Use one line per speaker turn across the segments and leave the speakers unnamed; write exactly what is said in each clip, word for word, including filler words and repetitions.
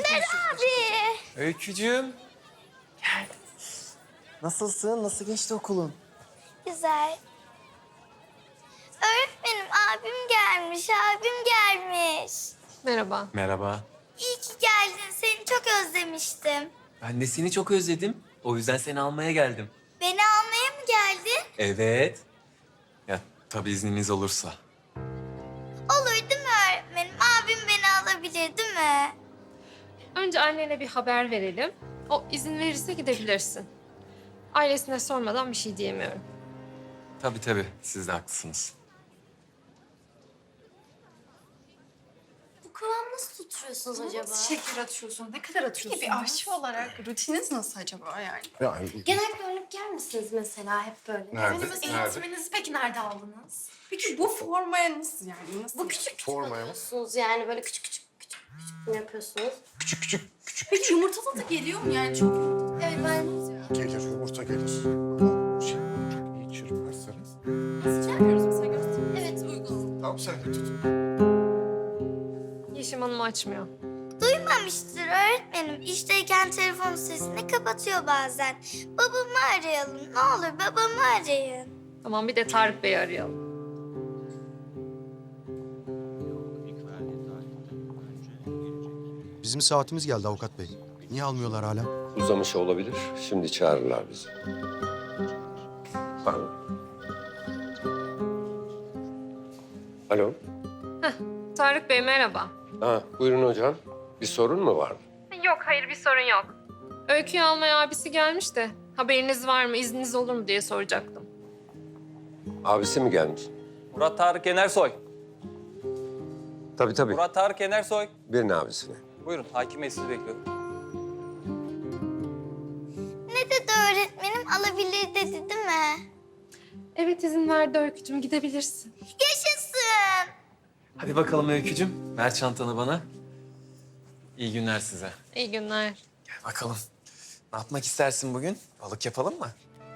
Dündar abi.
Öykücüğüm.
Nasılsın? Nasıl geçti okulun?
Güzel. Öğretmenim abim gelmiş, abim gelmiş.
Merhaba.
Merhaba.
İyi ki geldin, seni çok özlemiştim.
Ben de seni çok özledim. O yüzden seni almaya geldim.
Beni almaya mı geldin?
Evet. Ya tabii izniniz olursa.
Olur değil mi öğretmenim? Abim beni alabilir değil mi?
Önce annene bir haber verelim. O izin verirse gidebilirsin. Ailesine sormadan bir şey diyemiyorum.
Tabii tabii. Siz de haklısınız.
Bu kıvamı nasıl tutturuyorsunuz acaba?
Şeker atıyorsun. Ne kadar atıyorsun?
Bir aşçı olarak rutininiz nasıl acaba yani?
Yani
Genellikle örnek yer misiniz mesela hep böyle?
nerede?
Efendimiz
Nerede?
eğitiminizi peki nerede aldınız? Peki bu formaya nasıl yani? Nasıl?
Bu küçük küçük
Formaya mı?
yapıyorsunuz yani böyle küçük küçük küçük küçük mi yapıyorsunuz?
Küçük küçük küçük
Peki yumurtalı da geliyor mu yani çok?
Evet ben
gelir, yumurta gelir. Şey, çok iyi çırparsanız.
Nasıl yapıyoruz mesela gösterin.
Evet.
Uygun.
Tamam sen de tut.
Yeşim Hanım açmıyor.
duymamıştır öğretmenim. İşteyken telefon sesini kapatıyor bazen. Babamı arayalım ne olur babamı arayın.
Tamam, bir de Tarık Bey'i arayalım.
Bizim saatimiz geldi avukat bey. Niye almıyorlar hala?
Uzamış olabilir. Şimdi çağırırlar bizi. Pardon. Alo.
Tarık Bey merhaba.
Ha, buyurun hocam. Bir sorun mu var?
Yok, hayır bir sorun yok. Öykü'yü almaya abisi gelmiş de haberiniz var mı, izniniz olur mu diye soracaktım.
Abisi mi gelmiş?
Murat Tarık Yenersoy.
Tabii tabii.
Murat Tarık Yenersoy.
Birinin abisine.
Buyurun, hakim bey sizi bekliyor.
Ne dedi öğretmenim alabilir dedi değil mi?
Evet, izin verdi Öykücüğüm, gidebilirsin.
Yaşasın.
Hadi bakalım Öykücüğüm. Ver çantanı bana. İyi günler size.
İyi günler.
Gel bakalım. Ne yapmak istersin bugün? Balık yapalım mı?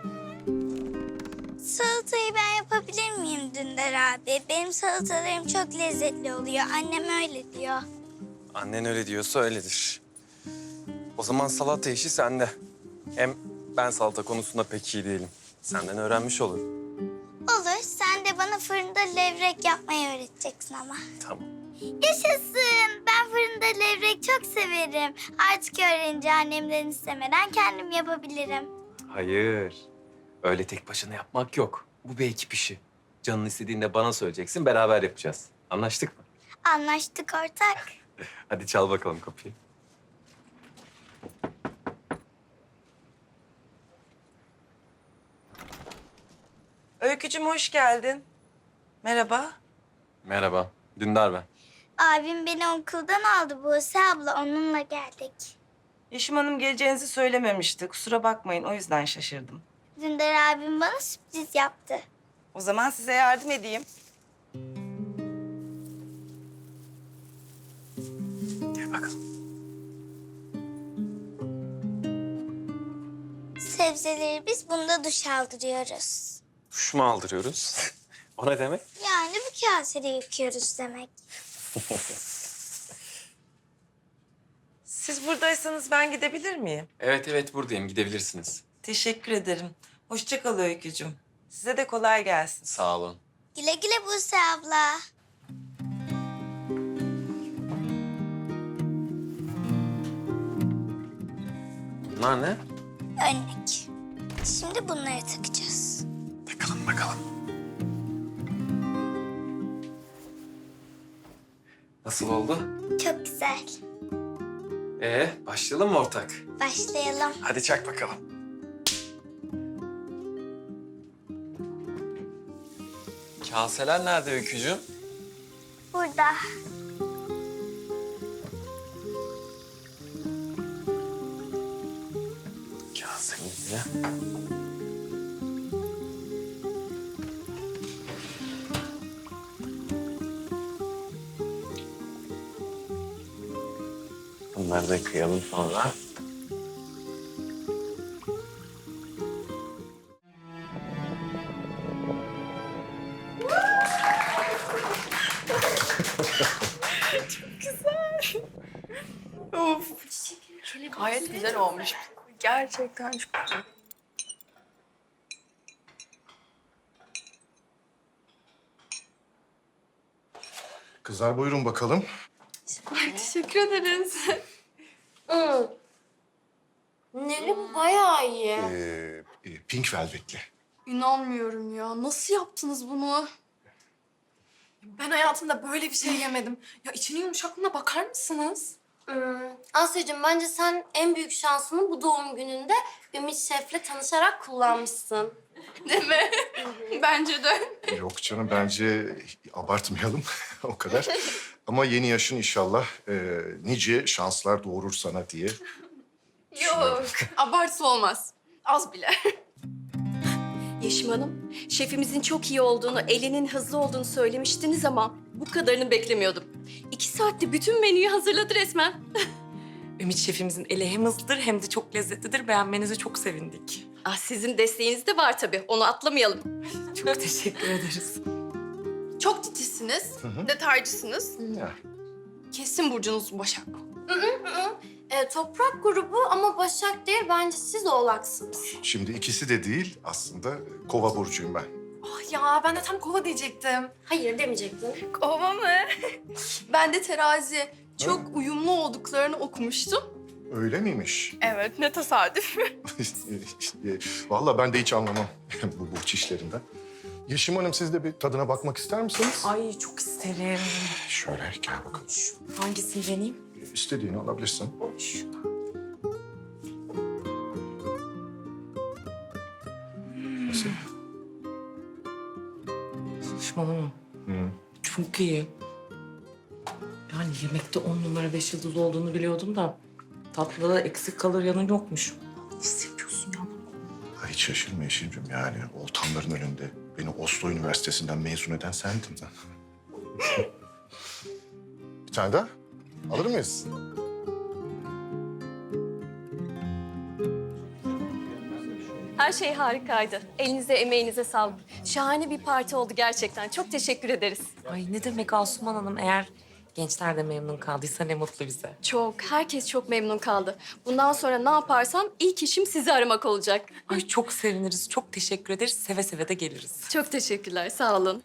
Salatayı ben yapabilir miyim Dündar abi? Benim salatalarım çok lezzetli oluyor. Annem öyle diyor.
Annen öyle diyorsa öyledir. O zaman salata işi sende. Hem ben salata konusunda pek iyi değilim. Senden öğrenmiş olurum.
Olur. Sen de bana fırında levrek yapmayı öğreteceksin ama.
Tamam.
Yaşasın. Ben fırında levrek çok severim. Artık öğrenince annemden istemeden kendim yapabilirim.
Hayır. Öyle tek başına yapmak yok. Bu bir ekip işi. Canın istediğinde bana söyleyeceksin, beraber yapacağız. Anlaştık mı?
Anlaştık ortak.
Hadi çal bakalım kapıyı.
Öykücüm hoş geldin. Merhaba.
Merhaba. Dündar ben.
Abim beni okuldan aldı Buse abla. Onunla geldik.
Yeşim Hanım geleceğinizi söylememişti. Kusura bakmayın o yüzden şaşırdım.
Dündar abim bana sürpriz yaptı.
O zaman size yardım edeyim.
Gel bakalım.
Sebzeleri biz bunda duş aldırıyoruz.
Duş mu aldırıyoruz? O ne demek?
Yani bu kasede yıkıyoruz demek.
Siz buradaysanız ben gidebilir miyim?
Evet evet buradayım. Gidebilirsiniz.
Teşekkür ederim. Hoşça kal Öykücüm. Size de kolay gelsin.
Sağ olun.
Güle güle Buse abla.
Bunlar ne?
Önlük. Şimdi bunları takacağız.
Bakalım bakalım. Nasıl oldu?
Çok güzel.
Ee, başlayalım mı ortak?
Başlayalım.
Hadi çak bakalım. Kaseler nerede Öykücüğüm?
Burada.
Kasemizde. Bunları da kıyalım sonra.
Of
Gayet güzel olmuş. Gerçekten çok güzel.
Kızlar buyurun bakalım.
Ay, teşekkür ederiz.
Neli bu bayağı iyi.
Ee, e, pink velvetli.
İnanmıyorum ya. Nasıl yaptınız bunu? Ben hayatımda böyle bir şey yemedim. Ya içinin yumuşaklığına bakar mısınız?
Hmm. Asya'cığım bence sen en büyük şansını bu doğum gününde Ümit Şef'le tanışarak kullanmışsın.
Değil mi? Bence de.
Yok canım bence abartmayalım o kadar. Ama yeni yaşın inşallah e, nice şanslar doğurur sana diye.
Yok. Abartı olmaz. Az bile.
Yeşim Hanım, şefimizin çok iyi olduğunu, elinin hızlı olduğunu söylemiştiniz ama bu kadarını beklemiyordum. İki saatte bütün menüyü hazırladı resmen.
Ümit şefimizin eli hem hızlıdır hem de çok lezzetlidir. Beğenmenize çok sevindik.
Ah, sizin desteğiniz de var tabii, onu atlamayalım.
Çok teşekkür ederiz.
Çok titizsiniz. Detaycısınız.
Ya.
Kesin burcunuz Başak.
Ee, toprak grubu ama Başak değil, bence siz oğlaksınız.
Şimdi ikisi de değil aslında kova burcuyum ben.
Ah ya ben de tam kova diyecektim.
Hayır demeyecektin.
Kova mı? Ben de terazi. Çok uyumlu olduklarını okumuştum.
Öyle miymiş?
Evet, ne tesadüf.
E, Vallahi ben de hiç anlamam bu burç işlerinden. Yeşim Hanım siz de bir tadına bakmak ister misiniz?
Ay çok isterim.
Şöyle gel bakalım.
Hangisini deneyeyim?
İstediğini alabilirsin. Nasıl?
Saçmalama.
Hı.
Çok iyi. Yani yemekte on numara beş yıldız olduğunu biliyordum da tatlıda da eksik kalır yanı yokmuş. Nasıl yapıyorsun ya bunu?
Ha, hiç şaşırma Yeşim'cim yani oltanların önünde beni Oslo Üniversitesi'nden mezun eden sendin. Bir tane daha alır mıyız?
Her şey harikaydı. Elinize, emeğinize sağlık. Şahane bir parti oldu gerçekten. Çok teşekkür ederiz.
Ay ne demek Asuman Hanım, eğer gençler de memnun kaldıysa ne mutlu bize.
Çok, herkes çok memnun kaldı. Bundan sonra ne yaparsam ilk işim sizi aramak olacak.
Ay çok seviniriz, çok teşekkür ederiz. Seve seve de geliriz.
Çok teşekkürler, sağ olun.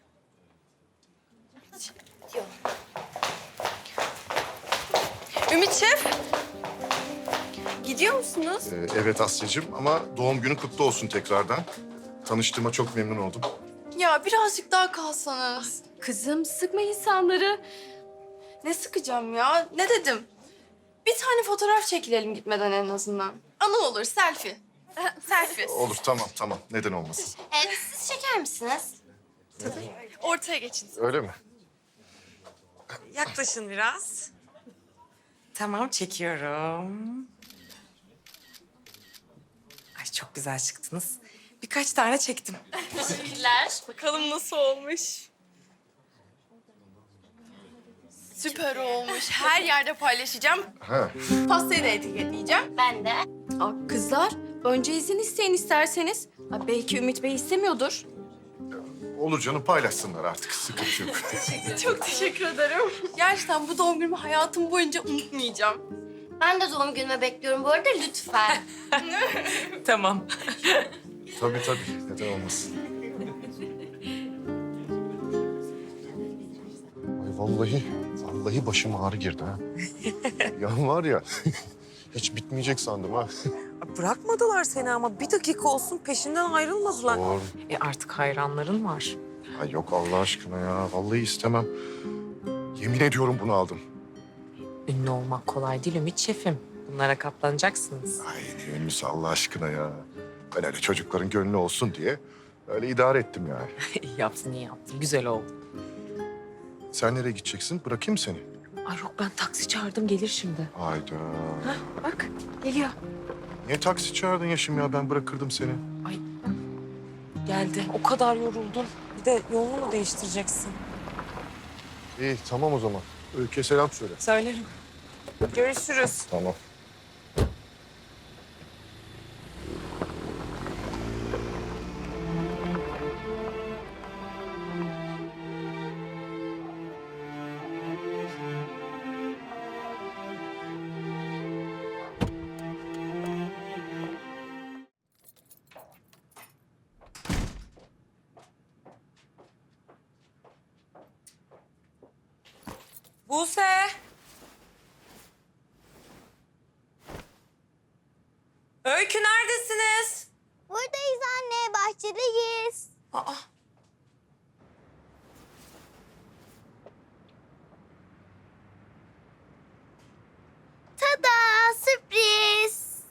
Ümit Şef. Gidiyor musunuz?
Ee, evet Asya'cığım ama doğum günü kutlu olsun tekrardan. Tanıştığıma çok memnun oldum.
Ya birazcık daha kalsanız.
Kızım, sıkma insanları.
Ne sıkacağım ya? Ne dedim? Bir tane fotoğraf çekilelim gitmeden en azından. Anı olur, selfie. Selfie.
Olur tamam tamam neden olmasın.
Ee, siz çeker misiniz?
Ortaya geçin.
Öyle mi?
Yaklaşın biraz. Tamam, çekiyorum. Ay çok güzel çıktınız. Birkaç tane çektim.
Teşekkürler.
Bakalım nasıl olmuş. Süper olmuş. Her yerde paylaşacağım.
Ha.
Pastayı da etiketleyeceğim.
Ben de.
Aa, kızlar, önce izin isteyin isterseniz. Aa, belki Ümit Bey istemiyordur.
Olur canım paylaşsınlar artık sıkıntı yok.
Çok teşekkür ederim. Gerçekten bu doğum günümü hayatım boyunca unutmayacağım.
Ben de doğum günüme bekliyorum bu arada, lütfen.
Tamam.
Tabii tabii neden olmasın. Ay vallahi, vallahi başım ağrı girdi ha. Ya var ya, hiç bitmeyecek sandım ha.
Bırakmadılar seni ama bir dakika olsun peşinden ayrılmadılar.
Doğru.
E artık hayranların var.
Ay yok Allah aşkına ya, vallahi istemem. Yemin ediyorum bunu aldım.
Ünlü olmak kolay değil Ümit Şefim. Bunlara katlanacaksınız.
Ay ne ünlüsü Allah aşkına ya. Ben öyle çocukların gönlü olsun diye öyle idare ettim yani.
İyi yaptın, iyi yaptın. Güzel oldu.
Sen nereye gideceksin? Bırakayım seni.
Ay yok, ben taksi çağırdım, gelir şimdi.
Hayda.
Hah, bak geliyor.
Niye taksi çağırdın Yaşım ya? Ben bırakırdım seni.
Ay geldi. O kadar yoruldun. Bir de yolunu mu değiştireceksin?
İyi tamam o zaman. Öykü'ye selam söyle.
Söylerim. Görüşürüz.
Tamam.
Buse! Öykü neredesiniz?
Buradayız anne, bahçedeyiz.
Aa,
Tada, sürpriz.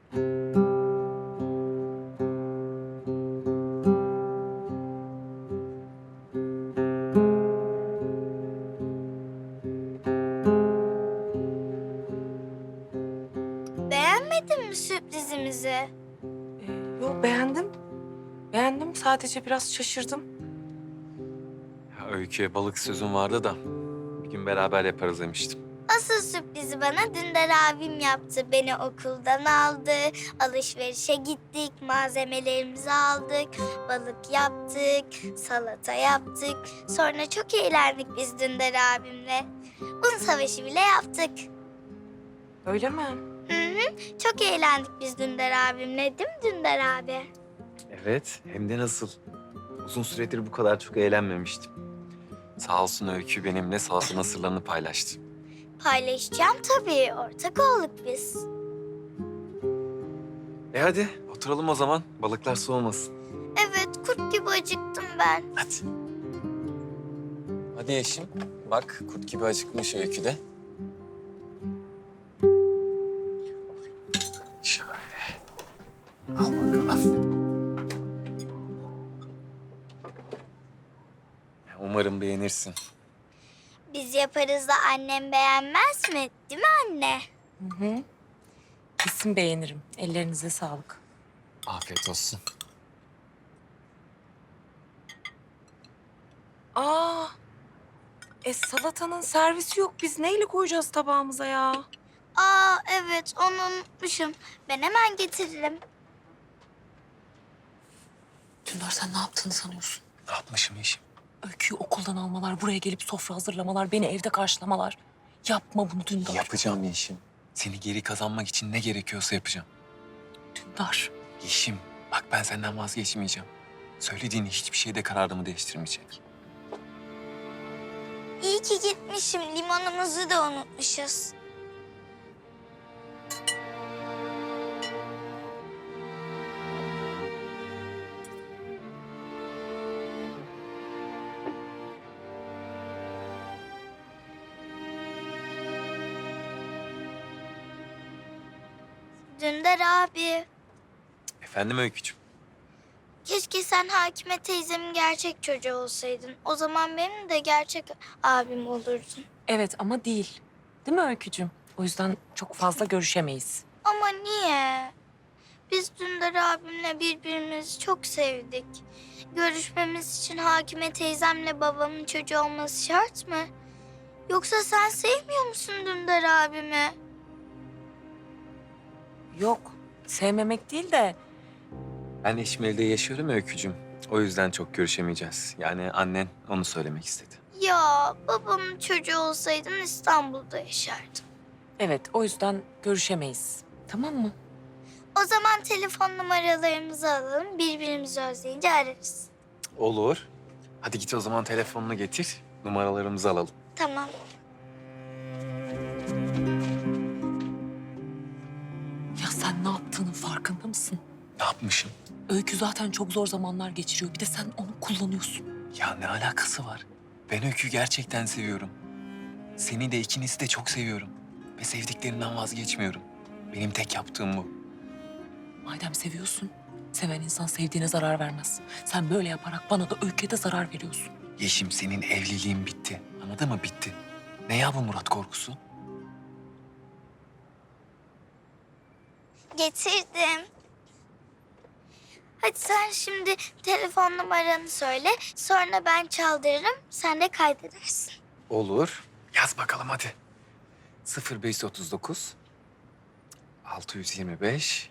Beğenmedin mi sürprizimizi?
e, yo beğendim. Beğendim, sadece biraz şaşırdım.
Ya Öykü'ye balık sözüm vardı da bir gün beraber yaparız demiştim.
Asıl sürprizi bana Dündar abim yaptı. Beni okuldan aldı, alışverişe gittik, malzemelerimizi aldık, balık yaptık, salata yaptık. Sonra çok eğlendik biz Dündar abimle. Un savaşı bile yaptık.
Öyle mi?
Hı hı, çok eğlendik biz Dündar abimle, değil mi Dündar abi?
Evet, hem de nasıl. Uzun süredir bu kadar çok eğlenmemiştim. Sağ olsun Öykü benimle salatanın sırlarını paylaştı.
Paylaşacağım tabii, ortak olduk biz.
E hadi oturalım o zaman. Balıklar soğumasın.
Evet, kurt gibi acıktım ben.
Hadi. Hadi Yeşim. Bak kurt gibi acıkmış Öykü de. Şöyle. Al bakalım. Umarım beğenirsin.
Biz yaparız da annem beğenmez mi? Değil mi anne?
Hı hı. Kesin beğenirim. Ellerinize sağlık.
Afiyet olsun.
Aa, e salatanın servisi yok. Biz neyle koyacağız tabağımıza ya?
Aa evet, onu unutmuşum. Ben hemen getiririm.
Dündar, sen ne yaptığını sanıyorsun?
Ne yapmışım Yeşim?
Öyküyü okuldan almalar, buraya gelip sofra hazırlamalar, beni evde karşılamalar. Yapma bunu Dündar.
Yapacağım Yeşim. Seni geri kazanmak için ne gerekiyorsa yapacağım.
Dündar.
Yeşim, bak ben senden vazgeçmeyeceğim. Söylediğin hiçbir şeyde kararımı değiştirmeyecek.
İyi ki gitmişim. Limonumuzu da unutmuşuz. Dündar abi,
Efendim Öykücüğüm?
keşke sen Hakime teyzemin gerçek çocuğu olsaydın. O zaman benim de gerçek abim olurdun.
Evet ama değil. Değil mi Öykücüğüm? O yüzden çok fazla görüşemeyiz.
Ama niye? Biz Dündar abimle birbirimizi çok sevdik. Görüşmemiz için Hakime teyzemle babamın çocuğu olması şart mı? Yoksa sen sevmiyor musun Dündar abimi?
Yok, sevmemek değil de
Ben Eşmeli'de yaşıyorum ya Öykücüğüm. O yüzden çok görüşemeyeceğiz. Yani annen onu söylemek istedi.
Ya babamın çocuğu olsaydın İstanbul'da yaşardım.
evet, o yüzden görüşemeyiz. Tamam mı?
O zaman telefon numaralarımızı alalım. Birbirimizi özleyince ararız.
Olur. Hadi git o zaman telefonunu getir. Numaralarımızı alalım.
Tamam.
Ya sen ne yaptığının farkında mısın?
Ne yapmışım?
Öykü zaten çok zor zamanlar geçiriyor. Bir de sen onu kullanıyorsun.
Ya ne alakası var? Ben Öykü'yü gerçekten seviyorum. Seni de ikinizi de çok seviyorum. Ve sevdiklerinden vazgeçmiyorum. Benim tek yaptığım bu.
Madem seviyorsun, seven insan sevdiğine zarar vermez. Sen böyle yaparak bana da Öykü'ye de zarar veriyorsun.
Yeşim senin evliliğin bitti. Anladın mı? Bitti. Ne ya bu Murat korkusu?
Getirdim. Hadi sen şimdi telefon numaranı söyle. Sonra ben çaldırırım. Sen de kaydedersin.
Olur. Yaz bakalım hadi. sıfır beş otuz dokuz altı yüz yirmi beş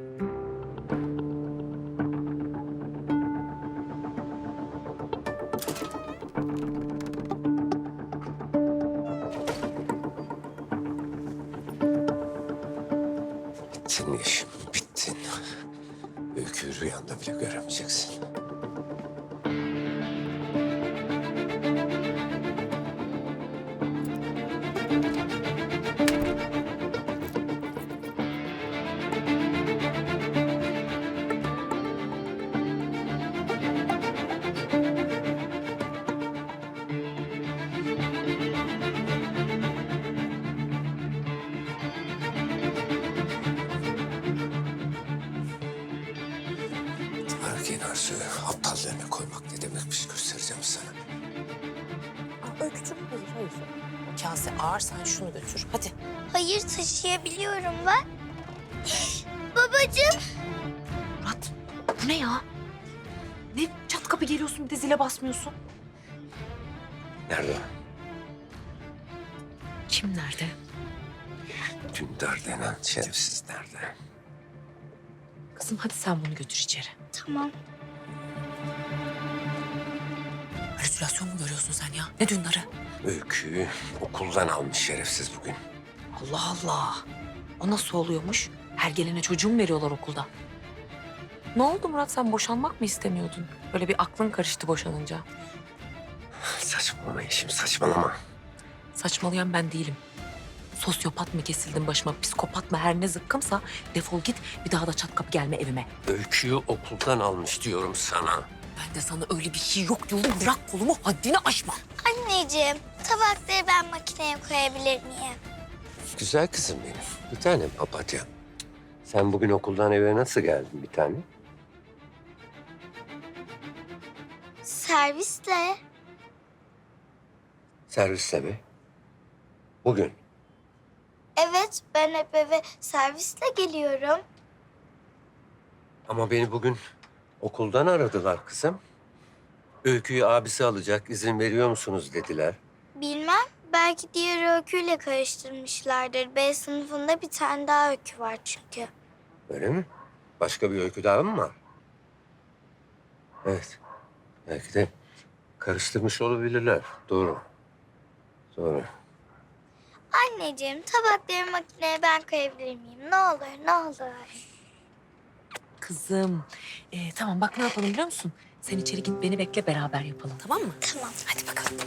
Bittin Yeşim, bittin. Öyküyü rüyanda bile göremeyeceksin. Bildiğin arzu aptallığına koymak ne demekmiş göstereceğim sana.
Aa, Öykücüğüm hayır hayır. O kase ağır, sen şunu götür. Hadi.
Hayır taşıyabiliyorum ben. Babacığım.
Murat, bu ne ya? Ne çat kapı geliyorsun bir de zile basmıyorsun?
Nerede o?
Kim nerede?
Dündar denen şerefsiz nerede?
Kızım hadi sen bunu götür içeri.
Tamam.
Halüsinasyon mu görüyorsun sen ya? Ne Dündar'ı?
Öyküyü okuldan almış şerefsiz bugün.
Allah Allah. O nasıl oluyormuş? Her gelene çocuğu mu veriyorlar okulda? Ne oldu Murat, sen boşanmak mı istemiyordun? Böyle bir aklın karıştı boşanınca.
Saçmalama Yeşim, saçmalama.
Saçmalayan ben değilim. Sosyopat mı kesildin başıma, psikopat mı, her ne zıkkımsa defol git, bir daha da çat kapı gelme evime.
Öyküyü okuldan almış diyorum sana.
Ben de sana öyle bir şey yok diyorum, bırak kolumu, haddini aşma.
Anneciğim tabakları ben makineye koyabilir miyim?
Güzel kızım benim. Bir tanem papatya. Sen bugün okuldan eve nasıl geldin bir tane?
Servisle.
Servisle mi? Bugün.
Evet ben hep eve servisle geliyorum.
Ama beni bugün okuldan aradılar kızım. Öyküyü abisi alacak, izin veriyor musunuz dediler.
Bilmem belki diğer öyküyle karıştırmışlardır. B sınıfında bir tane daha öykü var çünkü.
Öyle mi? Başka bir öykü daha mı var? Evet. Belki de karıştırmış olabilirler. Doğru. Doğru.
Anneciğim tabakları makineye ben koyabilir miyim? Ne olur ne olur.
Kızım, ee, tamam bak ne yapalım biliyor musun? Sen içeri git, beni bekle, beraber yapalım, tamam mı?
Tamam.
Hadi bakalım.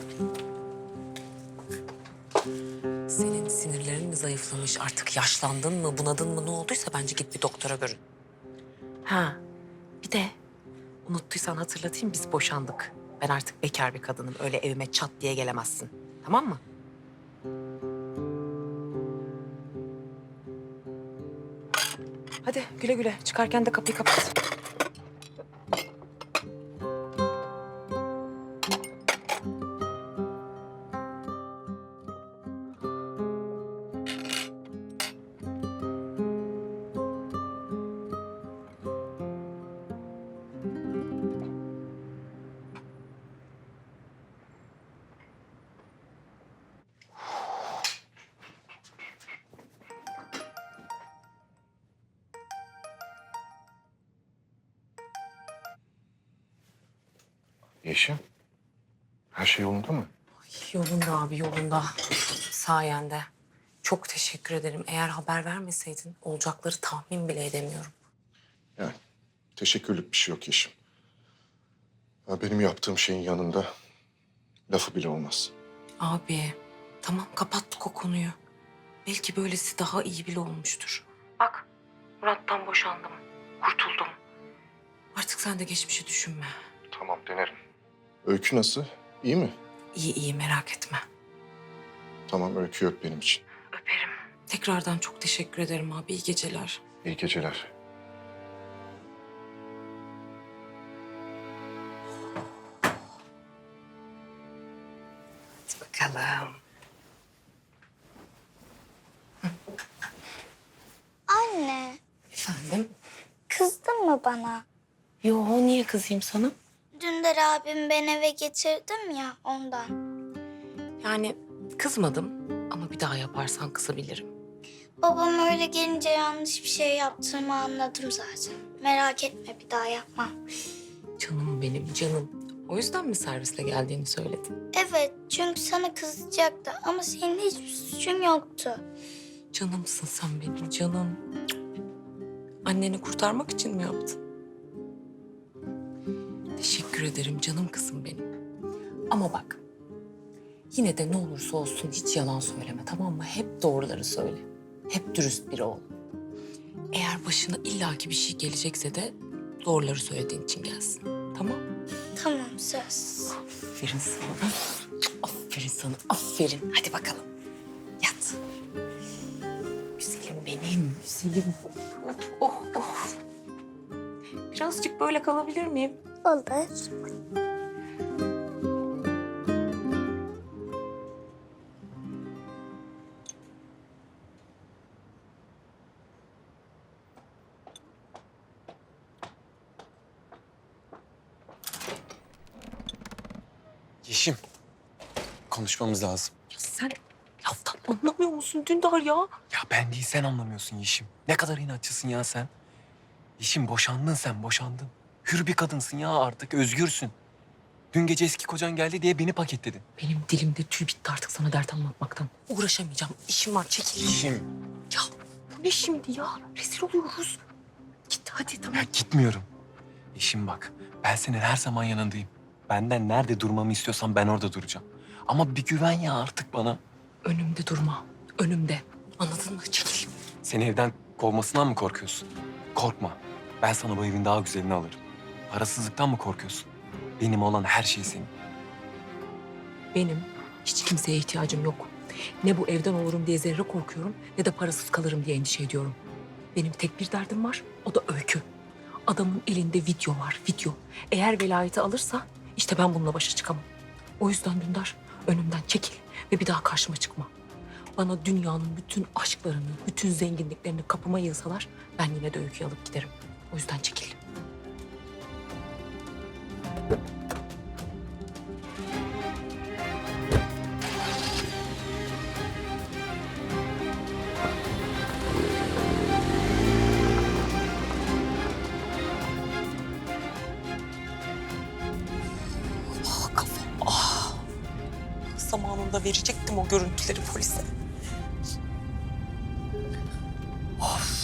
Senin sinirlerin mi zayıflamış, artık yaşlandın mı, bunadın mı, ne olduysa bence git bir doktora görün. Ha, bir de unuttuysan hatırlatayım, biz boşandık. Ben artık bekar bir kadınım, öyle evime çat diye gelemezsin, tamam mı? Hadi güle güle, çıkarken de kapıyı kapat.
Yeşim, her şey yolunda mı?
Yolunda abi, yolunda. Sayende. Çok teşekkür ederim. Eğer haber vermeseydin olacakları tahmin bile edemiyorum.
Yani teşekkürlük bir şey yok Yeşim. Ya benim yaptığım şeyin yanında lafı bile olmaz.
Abi tamam, kapattık o konuyu. Belki böylesi daha iyi bile olmuştur. Bak Murat'tan boşandım. Kurtuldum. Artık sen de geçmişi düşünme.
Tamam, denerim. Öykü nasıl? İyi mi?
İyi iyi, merak etme.
Tamam, Öykü öp benim için.
Öperim. Tekrardan çok teşekkür ederim abi. İyi geceler.
İyi geceler.
Hadi bakalım.
Anne
Efendim?
kızdın mı bana?
Yo, niye kızayım sana?
Dündar abim ben eve getirdim ya ondan.
Yani kızmadım ama bir daha yaparsan kızabilirim.
Babam öyle gelince yanlış bir şey yaptığımı anladım zaten. Merak etme bir daha yapmam.
Canım benim, canım. O yüzden mi servisle geldiğini söyledin?
Evet çünkü sana kızacaktı ama senin hiçbir suçun yoktu.
Canımsın sen benim, canım. Anneni kurtarmak için mi yaptın? Teşekkür ederim canım kızım benim. Ama bak, yine de ne olursa olsun hiç yalan söyleme, tamam mı? Hep doğruları söyle. Hep dürüst biri ol. Eğer başına illaki bir şey gelecekse de doğruları söylediğin için gelsin. Tamam?
Tamam söz.
Aferin sana. Aferin sana, aferin. Hadi bakalım. Yat. Güzelim benim, güzelim. Oh, oh. Birazcık böyle kalabilir miyim?
Olur.
Yeşim, konuşmamız lazım.
Ya sen laftan anlamıyor musun Dündar ya?
Ya ben değil, sen anlamıyorsun Yeşim. Ne kadar inatçısın ya sen. Yeşim, boşandın sen, boşandın. Hür bir kadınsın ya artık, özgürsün. Dün gece eski kocan geldi diye beni paketledin.
Benim dilimde tüy bitti artık sana dert anlatmaktan. Uğraşamayacağım. İşim var, çekil.
Yeşim.
Ya bu ne şimdi ya? Rezil oluyoruz. Git hadi tamam.
Ya gitmiyorum. Yeşim bak, ben senin her zaman yanındayım. Benden nerede durmamı istiyorsan ben orada duracağım. Ama bir güven ya artık bana.
Önümde durma. Önümde. Anladın mı? Çekil.
Seni evden kovmasından mı korkuyorsun? Korkma. Ben sana bu evin daha güzelini alırım. Parasızlıktan mı korkuyorsun? Benim olan her şey senin.
Benim hiç kimseye ihtiyacım yok. Ne bu evden olurum diye zerre korkuyorum ne de parasız kalırım diye endişe ediyorum. Benim tek bir derdim var, o da Öykü. Adamın elinde video var, video. Eğer velayeti alırsa işte ben bununla başa çıkamam. O yüzden Dündar önümden çekil ve bir daha karşıma çıkma. Bana dünyanın bütün aşklarını, bütün zenginliklerini kapıma yığsalar ben yine de Öykü'yü alıp giderim. O yüzden çekil. Ah kafam, ah. Zamanında verecektim o görüntüleri polise. Of.